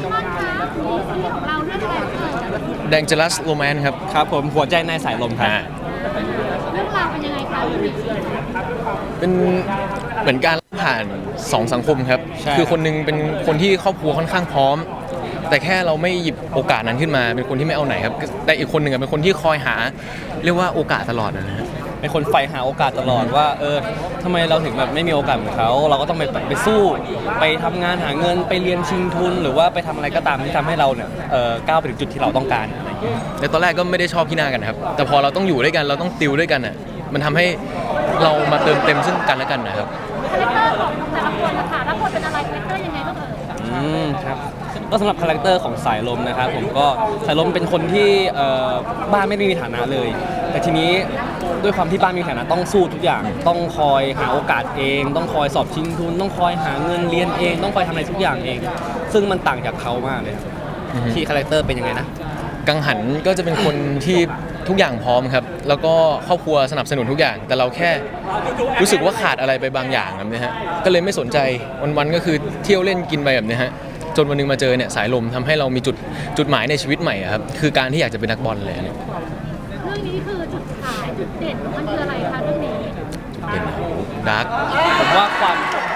มอนคะซีรีส์ของเราเรื่องอะไรเอ่ย Dangerous Romance ครับครับผมหัวใจในสายลมครับเรื่องราวเป็นยังไงคะพี่บิ๊กเป็นเหมือนการผ่านสองสังคมครับใช่คือคนหนึงเป็นคนที่ครอบครัวค่อนข้างพร้อม แต่แค่เราไม่หยิบโอกาสนั้นขึ้นมา เป็นคนที่ไม่เอาไหนครับ แต่อีกคนหนึ่งเป็นคนที่คอยหา เรียกว่าโอกาสตลอดนะฮะเป็นคนใฝ่หาโอกาสตลอดว่าทำไมเราถึงแบบไม่มีโอกาสเหมือนเขาเราก็ต้องไปสู้ไปทำงานหาเงินไปเรียนชิงทุน หรือว่าไปทำอะไรก็ตามที่ทำให้เราเนี่ยก้าวไปถึงจุดที่เราต้องการอะไรอย่างเงี้ยแต่ตอนแรกก็ไม่ได้ชอบพี่หน้ากันครับ แต่พอเราต้องอยู่ด้วยกัน เราต้องติวด้วยกันอ่ะ มันทำให้เรามาเติมเต็มซึ่งกันและกันนะครับคาแรคเตอร์ของแต่ละคนนะคะรับบทเป็นอะไรคาแรคเตอร์ยังไงบ้างเอ่ยครับก็สำหรับคาแรคเตอร์ของสายลมนะครับผมก็สายลมเป็นคนที่บ้านไม่ได้มีฐานะเลย แต่ทีนี้ด้วยความที่บ้านมีฐานะต้องสู้ทุกอย่างต้องคอยหาโอกาสเอง ต้องคอยสอบชิงทุน ต้องคอยหาเงินเรียนเอง ต้องคอยทำอะไรทุกอย่างเอง ซึ่งมันต่างจากเขามากเลยครับอือฮึที่คาแรคเตอร์เป็นยังไงนะกังหันก็จะเป็นคนที่ทุกอย่างพร้อมครับ แล้วก็ครอบครัวสนับสนุนทุกอย่าง แต่เราแค่รู้สึกว่าขาดอะไรไปบางอย่างแบบนี้ฮะ ก็เลยไม่สนใจวันๆก็คือเที่ยวเล่นกินไปแบบนี้ฮะ จนวันหนึงมาเจอเนี่ยสายลมทำให้เรามีจุดหมายในชีวิตใหม่อะครับ คือการที่อยากจะเป็นนักบอลเลยเนี่ยเรื่องนี้คือจุดขายจุดเด่นมันคืออะไรคะเรื่องนี้เป็นดาร์กผมว่าความ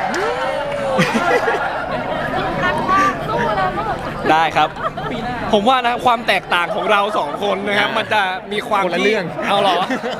รักมากสู้แล้วก็แบบได้ครับ ผมว่านะความแตกต่างของเราสองคนนะครับมันจะมีความคนละที่เรื่องเอาเหรอ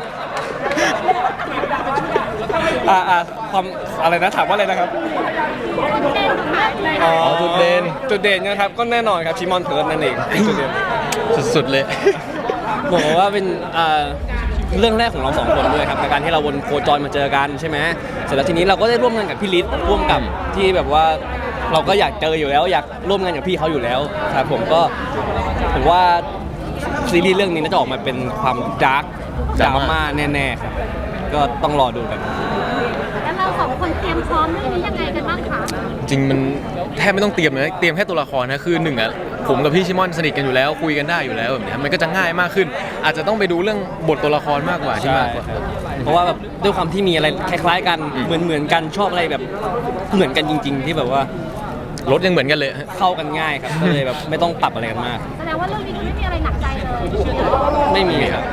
ความอะไรนะถามว่าอะไรนะครับจุดเด่นของเรื่องนี้อ๋อจุดเด่นจุดเด่นนะครับก็แน่นอนครับชิมอนเพิร์ดนั่นเองจุดเด่นสุดๆเลยบอกว่าเป็นเรื่องแรกของเราสองคนด้วยครับในการที่เราวนโคจรมาเจอกันใช่ไหมเสร็จแล้วทีนี้เราก็ได้ร่วมงานกับพี่ฤทธิ์ร่วมกับที่แบบว่าเราก็อยากเจออยู่แล้วอยากร่วมงานกับพี่เขาอยู่แล้วครับผมว่าซีรีส์เรื่องนี้น่าจะออกมาเป็นความดาร์กดราม่าแน่ๆครับก็ต้องรอดูกันแล้วเราสองคนเตรียมพร้อมเรื่องนี้ยังไงกันบ้างคะจริงมันแทบไม่ต้องเตรียมเลยเตรียมแค่ตัวละครนะคือหนึ่งอ่ะผมกับพี่ชิมอนสนิทกันอยู่แล้วคุยกันได้อยู่แล้วแบบเนี้ยมันก็จะง่ายมากขึ้น อาจจะต้องไปดูเรื่องบทตัวละครมากกว่าที่มากกว่าเพราะว่าแบบด้วยความที่มีอะไรคล้ายๆกันเหมือนกันชอบอะไรแบบเหมือนกันจริง ๆ ที่แบบว่ารถยังเหมือนกันเลยฮะเข้ากันง่ายครับก็เลยแบบไม่ต้องปรับอะไรกันมากแสดงว่าเรื่องนี้ไม่มีอะไรหนักใจเลยไม่มีครับ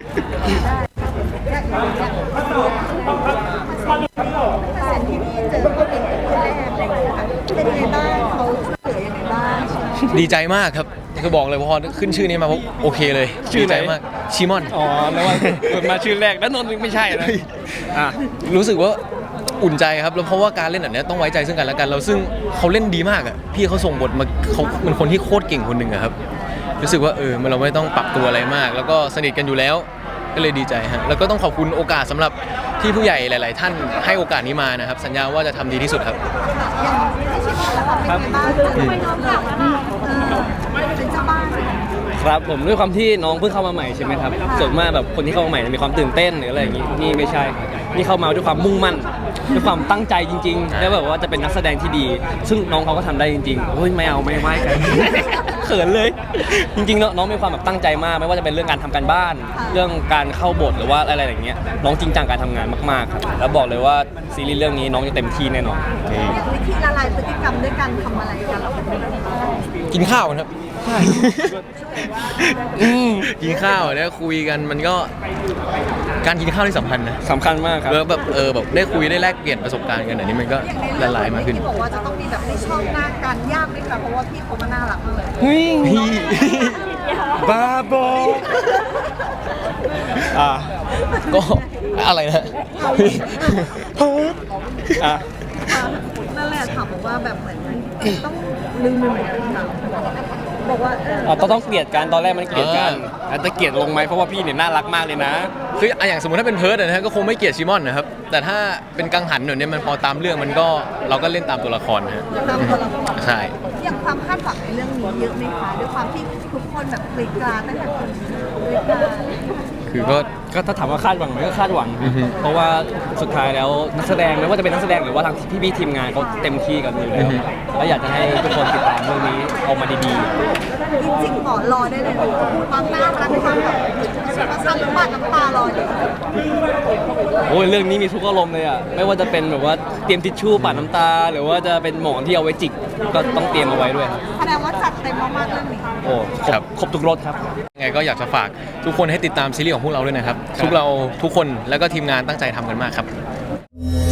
เป็นยังไงบ้างเขาช่วยเหลือยังไงบ้างดีใจมากครับคือบอกเลยพอขึ้นชื่อนี้มาปุ๊บโอเคเลยชื่อดีไหนใจมากชิมอนอ๋อแล้วว่าเกิดมาชื่อแรกแล้วนนท์ไม่ใช่นะอ่ะรู้สึกว่าอุ่นใจครับแล้วเพราะว่าการเล่นแบบเนี้ยต้องไว้ใจซึ่งกันและกันเราซึ่งเขาเล่นดีมากอ่ะพี่เขาส่งบทมาเขาเป็นคนที่โคตรเก่งคนหนึ่งอะครับรู้สึกว่ามันเราไม่ต้องปรับตัวอะไรมาก แล้วก็สนิทกันอยู่แล้วก็เลยดีใจฮะแล้วก็ต้องขอบคุณโอกาสสำหรับที่ผู้ใหญ่หลาย ๆ ท่านให้โอกาสนี้มานะครับสัญญาว่าจะทำดีที่สุดครับครับไปน้องกลับแล้วค่ะเป็นเจ้าบ้านครับผมด้วยความที่น้องเพิ่งเข้ามาใหม่ใช่ไหมครับส่วนมากแบบคนที่เข้ามาใหม่มีความตื่นเต้นหรืออะไรอย่างงี้นี่ไม่ใช่ครับนี่เข้ามาด้วยความมุ่งมั่นด้วยความตั้งใจจริง ๆ แล้วแบบว่าจะเป็นนักแสดงที่ดี ซึ่งน้องเขาก็ทำได้จริงๆโอ้ยไม่เอาไม่ไหวกัน เขินเลย จริงๆแล้วน้องมีความแบบตั้งใจมากไม่ว่าจะเป็นเรื่องการทำการบ้าน เรื่องการเข้าบทหรือว่าอะไรอย่างเงี้ยน้องจริงจังการทำงานมากๆครับแล้วบอกเลยว่าซีรีส์เรื่องนี้น้องจะเต็มที่แน่นอนอย่างวิธีละลายพฤติกรรมด้วยการทำอะไรกันเราเป็นกินข้าวกันครับกินข้าวแล้วคุยกันมันก็การกินข้าวที่สำคัญนะสำคัญมากครับแล้วแบบแบบได้คุยได้แลกเปลี่ยนประสบการณ์กันอันนี้มันก็ละลายมากขึ้นที่บอกว่าจะต้องมีแบบให้ชอบหน้ากันยากไหมคะเพราะว่าพี่เขามาน่ารักมากเลยเฮ้ยพี่บ้าบออ่ะก็อะไรนะพี่อ่ะนั่นแหละถามบอกว่าแบบเหมือนต้องลืมไปเหมือนกันค่ะบอกว่าต้องเกลียดกันตอนแรกมันเกลียดกันแต่เกลียดลงไหมเพราะว่าพี่เนี่ยน่ารักมากเลยนะคืออย่างสมมติถ้าเป็นเพิร์ดนะฮะก็คงไม่เกลียดชิมอนนะครับแต่ถ้าเป็นกังหันเนี่ยมันพอตามเรื่องมันก็เราก็เล่นตามตัวละครนะฮะตามตัวละครใช่อย่างความคาดหวังในเรื่องนี้เยอะไหมคะด้วยความที่ทุกคนแบบกรีดกราดตั้งแต่คนกรีดกราดคือก็ก็ถ้าถามว่าคาดหวังไหมก็คาดหวังอือฮึเพราะว่าสุดท้ายแล้วนักแสดงไม่ว่าจะเป็นนักแสดงหรือว่าทางพี่ๆทีมงานเขาเต็มที่กันอยู่แล้วแล้วอยากจะให้ทุกคนติดตามเรื่องนี้ออกมาดีจริงๆหมอรอได้เลยความน่ารักความแบบประชันน้ำตาน้ำตารอเลยๆโอ้ยเรื่องนี้มีทุกอารมณ์เลยอ่ะไม่ว่าจะเป็นแบบว่าเตรียมทิชชู่ปัดน้ำตา หรือว่าจะเป็นหมอนที่เอาไว้จิกก็ต้องเตรียมเอาไว้ด้วยครับแสดงว่าจัดเต็มมากๆเรื่องนี้โอ้ครบทุกรสครับยังไงก็อยากจะฝากทุกคนให้ติดตามซีรีส์ของพวกเราด้วยนะครับทุกคนแล้วก็ทีมงานตั้งใจทำกันมากครับ